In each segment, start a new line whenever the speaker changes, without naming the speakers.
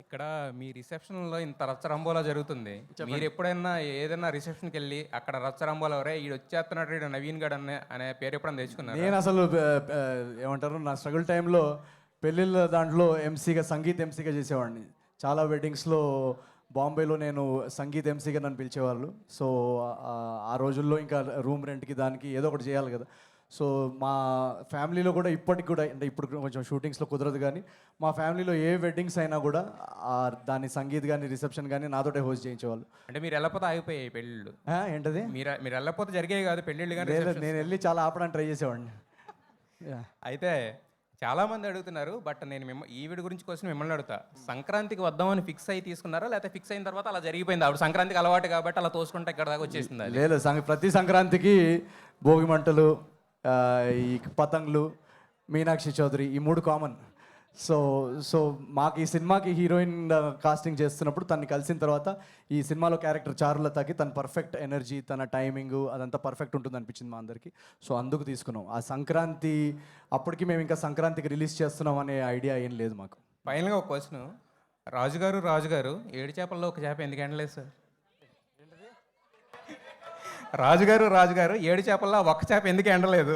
ఇక్కడ మీ రిసెప్షన్లో ఇంత రచ్చరంబోలా జరుగుతుంది. మీరు ఎప్పుడైనా ఏదైనా రిసెప్షన్కి వెళ్ళి అక్కడ రచ్చరంబోలా ఎవరే ఈడు వచ్చేస్తున్నాడు ఈడు నవీన్ గడ్ అనే పేరు ఎప్పుడైనా తెచ్చుకున్నారు?
నేను అసలు ఏమంటారు నా స్ట్రగుల్ టైంలో పెళ్ళిళ్ళ దాంట్లో సంగీత్ ఎంసీగా చేసేవాడిని. చాలా వెడ్డింగ్స్లో బాంబేలో నేను సంగీత్ ఎంసీగా నన్ను పిలిచేవాళ్ళు. సో ఆ రోజుల్లో ఇంకా రూమ్ రెంట్కి దానికి ఏదో ఒకటి చేయాలి కదా. సో మా ఫ్యామిలీలో కూడా ఇప్పటికి కూడా అంటే ఇప్పుడు కొంచెం షూటింగ్స్లో కుదరదు, కానీ మా ఫ్యామిలీలో ఏ వెడ్డింగ్స్ అయినా కూడా దాని సంగీత్ కానీ రిసెప్షన్ కానీ నాతోటే హోస్ట్ చేయించేవాళ్ళు.
అంటే మీరు వెళ్ళకపోతే ఆగిపోయాయి పెళ్ళిళ్ళు?
ఏంటది?
మీరు వెళ్ళకపోతే జరిగేవి కాదు పెళ్ళిళ్ళు కానీ?
నేను వెళ్ళి చాలా ఆపడానికి ట్రై చేసేవాడిని.
అయితే చాలామంది అడుగుతున్నారు, బట్ నేను ఈవిడ గురించి కోసం మిమ్మల్ని అడుగుతా. సంక్రాంతికి వద్దామని ఫిక్స్ అయ్యి తీసుకున్నారా, లేకపోతే ఫిక్స్ అయిన తర్వాత అలా జరిగిపోయింది? ఆవిడ సంక్రాంతికి అలవాటు కాబట్టి అలా తోసుకుంటే ఇక్కడ దాకా వచ్చేసింది?
లేదు, ప్రతి సంక్రాంతికి భోగి మంటలు, ఈ పతంగులు, మీనాక్షి చౌదరి, ఈ 3 కామన్. సో మాకు ఈ సినిమాకి హీరోయిన్ కాస్టింగ్ చేస్తున్నప్పుడు తనని కలిసిన తర్వాత ఈ సినిమాలో క్యారెక్టర్ చారులతకి తన పర్ఫెక్ట్ ఎనర్జీ, తన టైమింగ్ అదంతా పర్ఫెక్ట్ ఉంటుంది అనిపించింది మా అందరికీ. సో అందుకు తీసుకున్నాం. ఆ సంక్రాంతి అప్పటికి మేము ఇంకా సంక్రాంతికి రిలీజ్ చేస్తున్నాం అనే ఐడియా ఏం లేదు మాకు.
ఫైనల్గా ఒక క్వశ్చన్, రాజుగారు 7 చేపల్లో ఒక చేప ఎందుకు ఎండలేదు సార్? రాజుగారు 7 చేపల్లో ఒక్క చేప ఎందుకు ఎండలేదు?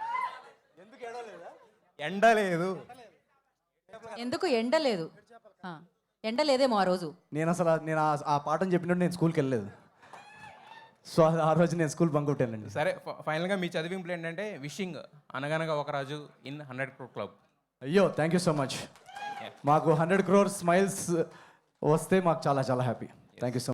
ఎండలేదు
ఎందుకు ఎండలేదు? ఎండలేదేమో ఆ రోజు.
నేను ఆ పాఠం చెప్పినట్టు నేను స్కూల్కి వెళ్ళలేదు. సో ఆ రోజు నేను స్కూల్ బంక్ కొట్టానండి.
సరే, ఫైనల్గా మీ చదివింపులు ఏంటంటే wishing Anaganaga Oka Raju in 100 crore club.
అయ్యో, థ్యాంక్ యూ సో మచ్. మాకు 100 crore స్మైల్స్ వస్తే మాకు చాలా చాలా happy. Thank you so much.